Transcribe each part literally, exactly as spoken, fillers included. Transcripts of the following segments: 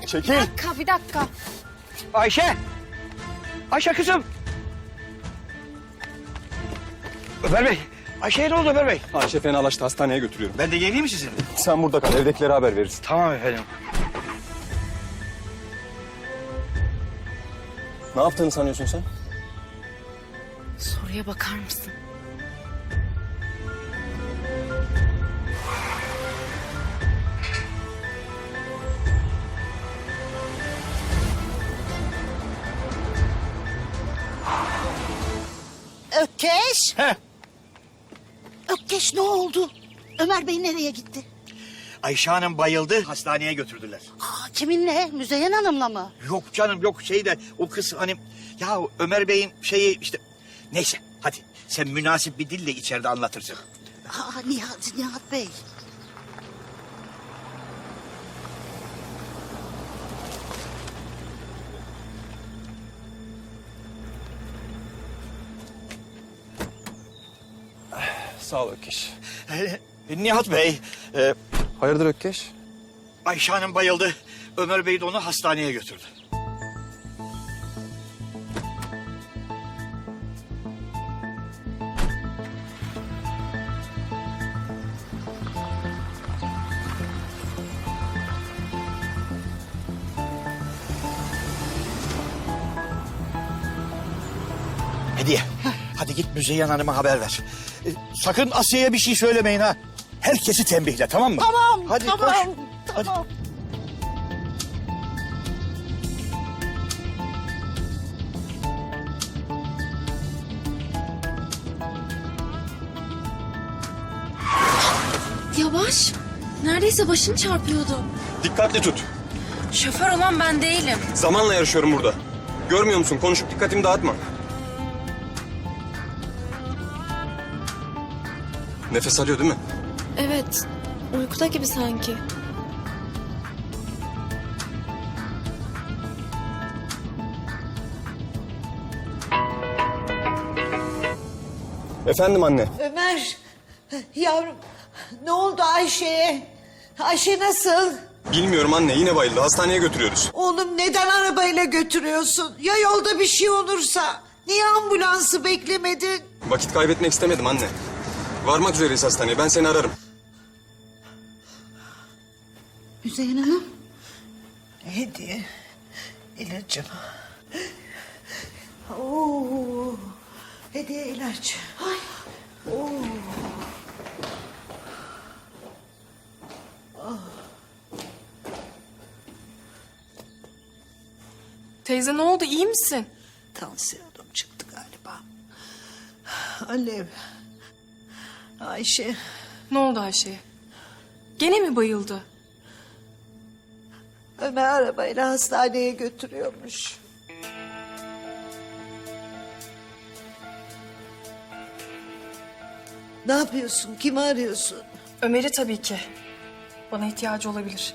Çekil. Bir dakika, bir dakika. Ayşe! Ayşe kızım! Ömer Bey! Ayşe'ye ne oldu Ömer Bey? Ayşe fenalaştı, hastaneye götürüyorum. Ben de geleyim mi sizinle? Sen burada kal, evdekilere haber verirsin. Tamam efendim. Ne yaptığını sanıyorsun sen? Soruya bakar mısın? Ökkeş. Heh. Ökkeş ne oldu? Ömer Bey nereye gitti? Ayşe Hanım bayıldı, hastaneye götürdüler. Aa, kiminle? Müzeyyen Hanım'la mı? Yok canım yok şey de o kız hani... Ya Ömer Bey'in şeyi işte... Neyse hadi sen münasip bir dille içeride anlatırsın. Aa, Nihat, Nihat Bey. Sağ ol Ökkeş. Ee, Nihat Bey, e, Hayırdır Ökkeş? Ayşe Hanım bayıldı. Ömer Bey de onu hastaneye götürdü. Hediye, hadi git Müzeyyen Hanım'a haber ver. Ee, sakın Asiye'ye bir şey söylemeyin ha. Herkesi tembihle, tamam mı? Tamam, Hadi tamam, koş. tamam. Hadi. Yavaş. Neredeyse başını çarpıyordu. Dikkatli tut. Şoför olan ben değilim. Zamanla yarışıyorum burada. Görmüyor musun? Konuşup dikkatimi dağıtma. Nefes alıyor değil mi? Evet. Uykuda gibi sanki. Efendim anne. Ömer, yavrum ne oldu Ayşe'ye? Ayşe nasıl? Bilmiyorum anne, yine bayıldı. Hastaneye götürüyoruz. Oğlum neden arabayla götürüyorsun? Ya yolda bir şey olursa? Niye ambulansı beklemedin? Vakit kaybetmek istemedim anne. Varmak üzereyiz hastaneye. Ben seni ararım. Müzeyyen Hanım. Hediye, ilacım. Oo, hediye ilaç. Ay. Oo. Teyze ne oldu, iyi misin? Tansiyonum çıktı galiba. Alev. Ayşe. Ne oldu Ayşe'ye? Gene mi bayıldı? Ömer arabayla hastaneye götürüyormuş. Ne yapıyorsun? Kimi arıyorsun? Ömer'i tabii ki. Bana ihtiyacı olabilir.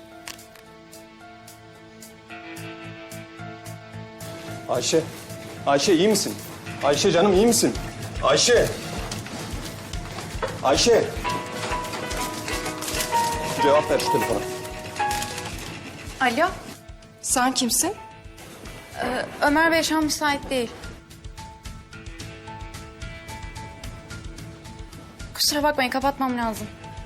Ayşe. Ayşe iyi misin? Ayşe canım iyi misin? Ayşe. Ayşe. Cevap ver şu telefona. Alo. Sen kimsin? Ömer Bey şu an müsait değil. Kusura bakmayın, kapatmam lazım.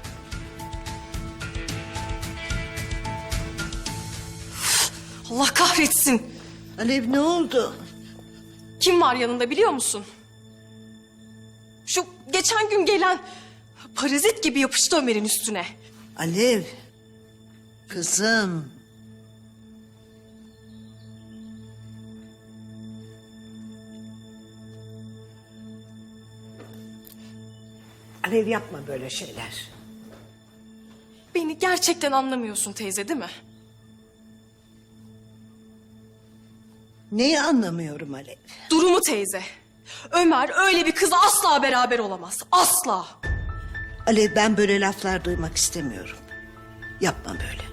Allah kahretsin. Alev ne oldu? Kim var yanında biliyor musun? Şu geçen gün gelen parazit gibi yapıştı Ömer'in üstüne. Alev. Kızım. Alev yapma böyle şeyler. Beni gerçekten anlamıyorsun teyze değil mi? Neyi anlamıyorum Alev? Durumu teyze. Ömer öyle bir kızla asla beraber olamaz. Asla. Alev ben böyle laflar duymak istemiyorum. Yapma böyle.